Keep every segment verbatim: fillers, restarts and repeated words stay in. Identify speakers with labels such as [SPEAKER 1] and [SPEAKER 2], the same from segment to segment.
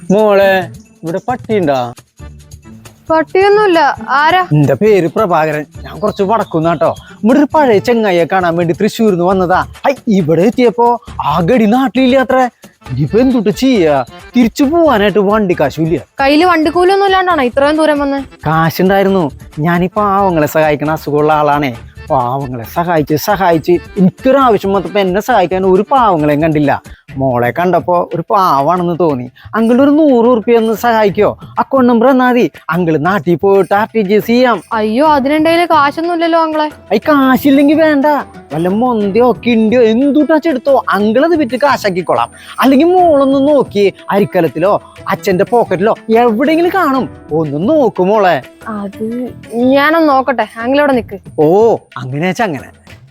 [SPEAKER 1] മോളെ ഇവിടെ പട്ടിയുണ്ടാ?
[SPEAKER 2] പട്ടിയൊന്നുമില്ല. ആരാ?
[SPEAKER 1] എന്റെ പേര് പ്രഭാകരൻ. ഞാൻ കുറച്ച് വടക്കുന്നാട്ടോ. ഇവിടെ ഒരു പഴയ ചെങ്ങായിയെ കാണാൻ വേണ്ടി തൃശ്ശൂരിന്ന് വന്നതാ. ഹൈ, ഇവിടെ എത്തിയപ്പോ ആ ഗടി നാട്ടിലില്ല അത്ര. ഇനിയിപ്പോ എന്തുട്ട് ചെയ്യാ? തിരിച്ചു പോവാനായിട്ട് വണ്ടി കാശുമില്ല.
[SPEAKER 2] കയ്യില് വണ്ടിക്കൂലൊന്നും ഇല്ലാണ്ടാണോ ഇത്രയും ദൂരം വന്ന്?
[SPEAKER 1] കാശുണ്ടായിരുന്നു. ഞാനീ പാവങ്ങളെ സഹായിക്കണ അസുഖമുള്ള ആളാണേ. പാവങ്ങളെ സഹായിച്ച് സഹായിച്ച് എനിക്കൊരാവശ്യം വന്നപ്പോ എന്നെ സഹായിക്കാൻ ഒരു പാവങ്ങളെയും കണ്ടില്ല. മോളെ കണ്ടപ്പോ ഒരു പാവാണെന്ന് തോന്നി. അങ്കിൾ ഒരു നൂറ് ഉറുപ്പ്യ ഒന്ന് സഹായിക്കോ? അക്കൗണ്ട് നമ്പർ എന്നാ മതി. അങ്കിള് നാട്ടിൽ പോയിട്ട് ആർ ടി ജി എസ് ചെയ്യാം.
[SPEAKER 2] അയ്യോ, അതിനെന്തെങ്കിലും കാശൊന്നും ഇല്ലല്ലോ അങ്ങളെ.
[SPEAKER 1] അയ് കാശില്ലെങ്കിൽ വേണ്ട, വല്ല മൊന്തയോ കിണ്ടിയോ എന്തുട്ടാച്ചെടുത്തോ. അങ്കിളത് വിറ്റ് കാശാക്കിക്കോളാം. അല്ലെങ്കിൽ മോളൊന്ന് നോക്കി അരിക്കലത്തിലോ അച്ഛന്റെ പോക്കറ്റിലോ എവിടെയെങ്കിലും കാണും. ഒന്ന് നോക്കും മോളെ.
[SPEAKER 2] അത് ഞാനൊന്ന് നോക്കട്ടെ. അങ്കിളവിടെ നിക്ക്.
[SPEAKER 1] ഓ, അങ്ങനെ വെച്ചാ അങ്ങനെ.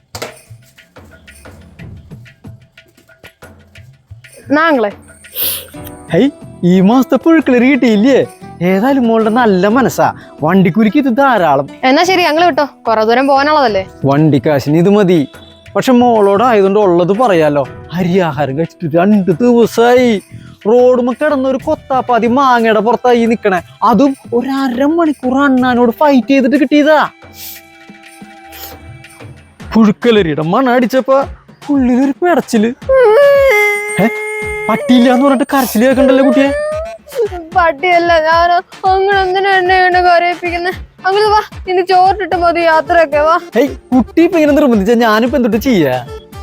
[SPEAKER 2] നാങ്ങളെ
[SPEAKER 1] ഹൈ, ഈ മാസത്തെ പുഴുക്കളറി കിട്ടിയില്ലേ? ഏതായാലും മോളുടെ നല്ല മനസ്സാ. വണ്ടിക്കുരുക്ക് ഇത് ധാരാളം.
[SPEAKER 2] എന്നാ ശരി, അങ്ങള് വിട്ടോ. കൊറേ ദൂരം പോകാനുള്ളതല്ലേ.
[SPEAKER 1] വണ്ടിക്കാശിന് ഇത് മതി. പക്ഷെ മോളോടായതുകൊണ്ട് ഉള്ളത് പറയാലോ. അരിയാഹാരം കഴിച്ചിട്ട് രണ്ട് ദിവസമായി. റോഡുമ്മ കിടന്നൊരു കൊത്താപ്പാതി മാങ്ങയുടെ പുറത്തായി നിക്കണേ. അതും ഒരു അരമണിക്കൂർ അണ്ണാനോട് ഫൈറ്റ് ചെയ്തിട്ട് കിട്ടിയതാ. പുഴുക്കലരിയുടെ മണ അടിച്ചപ്പോ ഉള്ളിലൊരു പിടച്ചില്. പട്ടിയില്ലാന്ന് പറഞ്ഞിട്ട് കരച്ചില് കേൾക്കണ്ടല്ലോ കുട്ടിയെ.
[SPEAKER 2] പട്ടിയല്ല ഞാൻ. അങ്ങനെ എന്തിനാ എന്നെ എന്നെ കരയിപ്പിക്കുന്നെ? അങ്ങനെ വാ, ഇനി ചോറിട്ടിട്ട് മതി യാത്രയൊക്കെ. വാ.
[SPEAKER 1] ഏയ്, കുട്ടി ഇപ്പൊ ഇങ്ങനെ നിർബന്ധിച്ച ഞാനിപ്പോ എന്തൊട്ട് ചെയ്യാ?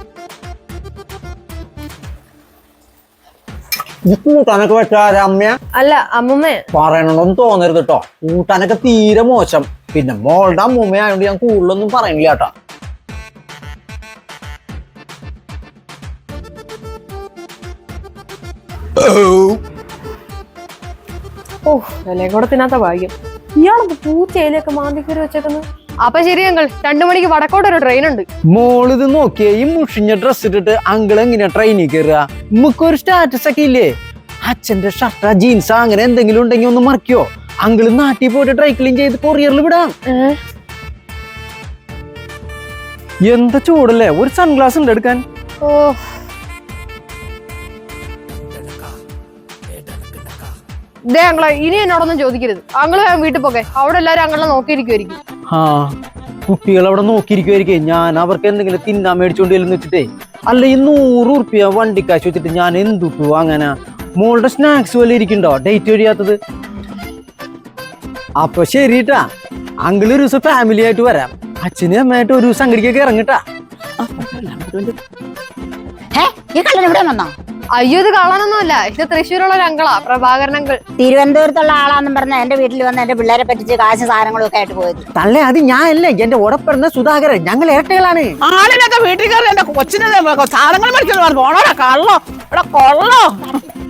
[SPEAKER 1] കൂട്ടാനൊക്കെ വെച്ചാര അമ്മ?
[SPEAKER 2] അല്ല, അമ്മൂമ്മ.
[SPEAKER 1] പറയണമെന്ന് തോന്നരുത് കേട്ടോ. കൂട്ടാനൊക്കെ തീരെ മോശം. പിന്നെ മോളുടെ അമ്മൂമ്മയായോണ്ട് ഞാൻ കൂടുതലൊന്നും പറയണില്ല കേട്ടോ.
[SPEAKER 2] ഓ, വിലയും കൂടെ തിന്നാത്ത ഭാഗ്യം. ഇയാളൊക്കെ പൂച്ചയിലൊക്കെ മാന്തിക്കറി വെച്ചേക്കുന്നു. അപ്പൊ ശരി അങ്കിൾ, രണ്ടു മണിക്ക് വടക്കോട്ട് ഒരു ട്രെയിൻ ഉണ്ട്.
[SPEAKER 1] മോളിത് നോക്കിയേ, ഈ മുഷിഞ്ഞ ഡ്രസ് ഇട്ടിട്ട് അങ്കിൾ എങ്ങനെയാ ട്രെയിനിൽ കയറുക? നമുക്കൊരു സ്റ്റാറ്റസ് ഒക്കെ ഇല്ലേ? അച്ഛന്റെ ഷർട്ടാ ജീൻസാ അങ്ങനെ എന്തെങ്കിലും ഉണ്ടെങ്കിൽ ഒന്ന് മറിക്കോ? അങ്കിള് നാട്ടിൽ പോയിട്ട് ഡ്രൈ ക്ലീൻ ചെയ്ത് കൊറിയറിൽ വിടാം. എന്താ ചൂടല്ലേ? ഒരു സൺഗ്ലാസ് ഉണ്ട് എടുക്കാൻ.
[SPEAKER 2] ഓ, ദേ അങ്ങളെ, ഇനി എന്നോടൊന്നും ചോദിക്കരുത്. അങ്ങള് വീട്ടിൽ പോകെ. അവിടെ എല്ലാരും അങ്ങളെ നോക്കിയിരിക്കുമായിരിക്കും.
[SPEAKER 1] ആ, കുട്ടികൾ അവിടെ നോക്കിയിരിക്കുമായിരിക്കും. ഞാൻ അവർക്ക് എന്തെങ്കിലും തിന്നാൻ മേടിച്ചോണ്ട് ചെല്ലുന്ന വെച്ചിട്ടേ. അല്ല, ഈ നൂറ് ഉറുപ്പ്യ വണ്ടിക്കാശ് വെച്ചിട്ട് ഞാൻ എന്തുട്ടു അങ്ങനെ? മോളുടെ സ്നാക്സ് പോലെ ഇരിക്കണ്ടോ ഡേറ്റ് കഴിയാത്തത്? അപ്പൊ ശരിട്ടാ, അങ്കിള് ഒരു ദിവസം ഫാമിലി ആയിട്ട് വരാം. അച്ഛനും അമ്മയായിട്ട് ഒരു ദിവസം അങ്ങടിക്കൊക്കെ ഇറങ്ങിട്ടാ.
[SPEAKER 2] അയ്യോ, ഇത് കാണാനൊന്നുമല്ല. ഇത് തൃശ്ശൂരുള്ള ഒരു അങ്കളാ, പ്രഭാകരൻ അങ്കിൾ.
[SPEAKER 3] തിരുവനന്തപുരത്തുള്ള ആളാന്നും പറഞ്ഞ എന്റെ വീട്ടിൽ വന്ന് എന്റെ പിള്ളേരെ പറ്റിച്ച് കാശ് സാധനങ്ങളും ഒക്കെ ആയിട്ട് പോയത്.
[SPEAKER 1] തള്ളേ, അത് ഞാൻ അല്ലേ, എന്റെ ഓടപ്പിറന്ന സുധാകരൻ. ഞങ്ങൾ ഇരട്ടകളാണ്.
[SPEAKER 4] ആളിനൊക്കെ വീട്ടിൽ കയറി എന്റെ കൊച്ചിനെ സാധനങ്ങൾ മേടിച്ചോണ്ട് പറഞ്ഞു. ഓണോടാ കള്ളോ, ഇവിടെ കൊള്ളോ.